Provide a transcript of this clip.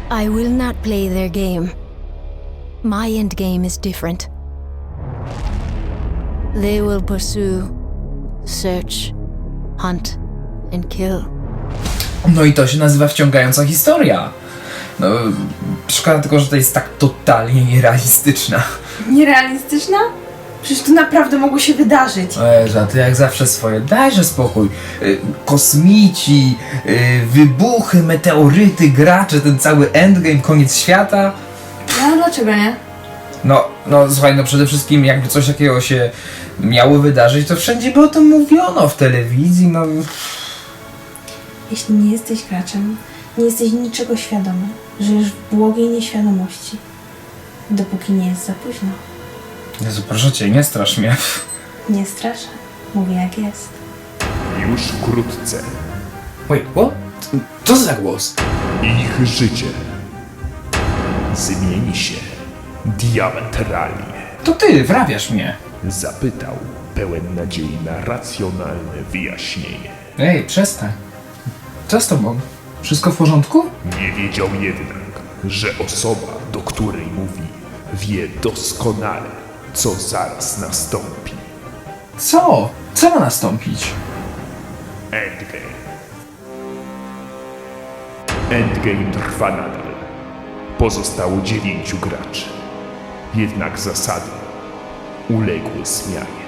I will not play their game. My endgame is different. They will pursue, search, hunt, and kill. No i to się nazywa wciągająca historia. No, szkoda tylko, że to jest tak totalnie nierealistyczna. Nierealistyczna? Przecież to naprawdę mogło się wydarzyć. Eza, ty jak zawsze swoje, dajże spokój. Kosmici, wybuchy, meteoryty, gracze, ten cały endgame, koniec świata. No dlaczego nie? No słuchaj, no przede wszystkim jakby coś takiego się miało wydarzyć, to wszędzie by o tym mówiono, w telewizji, no. Jeśli nie jesteś graczem, nie jesteś niczego świadomy, żyjesz w błogiej nieświadomości, dopóki nie jest za późno. Jezu, proszę cię, nie strasz mnie. Nie straszę, mówię jak jest. Już wkrótce Wait, what? Co za głos? ich życie zmieni się diametralnie. To ty, wrabiasz mnie. Zapytał, pełen nadziei na racjonalne wyjaśnienie. Ej, przestań. Co z tobą? Wszystko w porządku? Nie wiedział jednak, że osoba, do której mówi, wie doskonale, co zaraz nastąpi. Co? Co ma nastąpić? Endgame. Endgame trwa nadal. Pozostało 9 graczy. Jednak zasady uległy zmianie.